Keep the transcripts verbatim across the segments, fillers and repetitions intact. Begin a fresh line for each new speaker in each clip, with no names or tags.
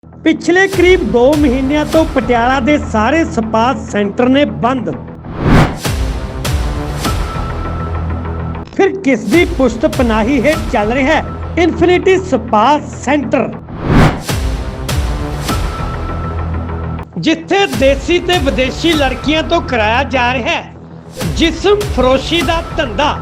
ਪਿਛਲੇ ਕਰੀਬ दो ਮਹੀਨਿਆਂ ਤੋਂ ਪਟਿਆਲਾ ਦੇ ਸਾਰੇ ਸਪਾ ਸੈਂਟਰ ਨੇ ਬੰਦ। ਫਿਰ ਕਿਸ ਦੀ ਪੁਸ਼ਤ ਪਨਾਹੀ ਹੇਠ ਚੱਲ ਰਿਹਾ ਹੈ ਇਨਫਿਨਿਟੀ ਸਪਾ ਸੈਂਟਰ, ਜਿੱਥੇ ਦੇਸੀ ਤੇ ਵਿਦੇਸ਼ੀ ਲੜਕੀਆਂ ਤੋਂ ਕਰਾਇਆ ਜਾ ਰਿਹਾ ਹੈ ਜਿਸਮ ਫਰੋਸ਼ੀ ਦਾ ਧੰਦਾ।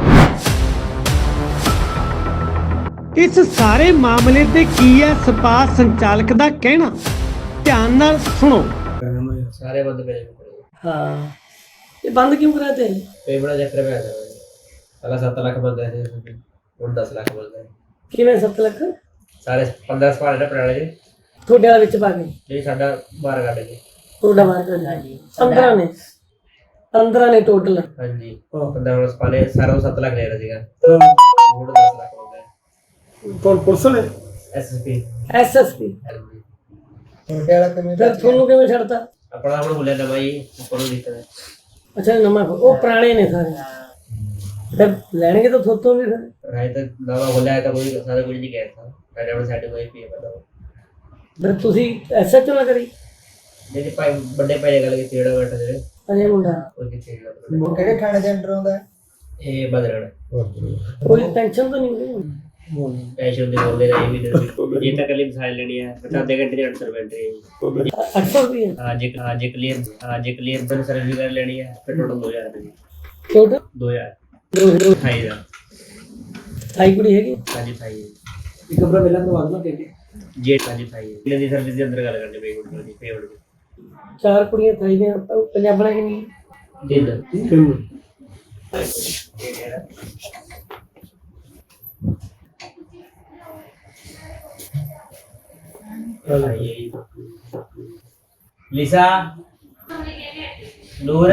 इस सारे मामले ते की है स्पा संचालक दा कहना, ध्यान नाल सुनो।
सारे बंद पे
हाँ, ये बंद क्यों कराते हैं?
पे बड़ा चक्कर में आता है। पहला सात लाख बंद है और दस लाख बंद है।
किवें सत्त लख
सारे पंद्रह सवाल है पुराने जी
थोड़े वाले विच पा के
जी साडा बारह काटे जी
थोड़ा मार कर हां जी पंद्रह ने पंद्रह ने टोटल
हां जी पंद्रह सवाल सारा सात लाख ले रहा सीगा और दस लाख बंद है।
कौन पुलिस ने?
एसएसपी
एसएसपी
छोटे वाला कमी
फिर थोनू किवें छड़ता?
अपना अपना बोले ना भाई ऊपर दिक्कत है।
अच्छा नमा वो पुराने ने सारे फिर लेंगे तो थोतों भी फिर
राय तक नवा बोला है तो कोई सारा कुछ नहीं कहता पहले अपने साइड में पी बताओ
फिर तुसी एसएचओ ना करी
जेडी भाई बड़े भाई गल की तेड़ा बैठा जे
अजय मुंडा
कोई की तेड़ा
ਕਿਹੜੇ ਥਾਣੇ ਦੇ ਅੰਡਰ ਆਉਂਦਾ
ए बदरगढ़
कोई टेंशन तो नहीं होगी
पैसे दे बोले रहे भी दे ये तक लिम साइल लेनी है बता दे घंटे आठ सौ रुपए है
आठ सौ रुपये
आज एक आज एक क्लियर आज एक क्लियर बन सर्विस कर लेनी है फिर टोटल दो हजार रुपए
टोटल
दो हजार
दो दो
ढाई हजार
थाई कुड़ी है कि
आज थाई
एक कमरा मिला करवा देना के
जेट आज थाई है दी सर्विस के अंदर गल करनी पे गुड दी पे गुड
चार कुड़ियां थाई ने पंजाबना की नहीं
दिन लिसा नूर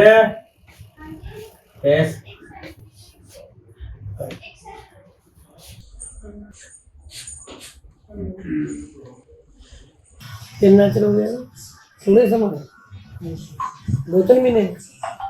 यस
कितना चलो गया थोड़े समय दो तीन महीने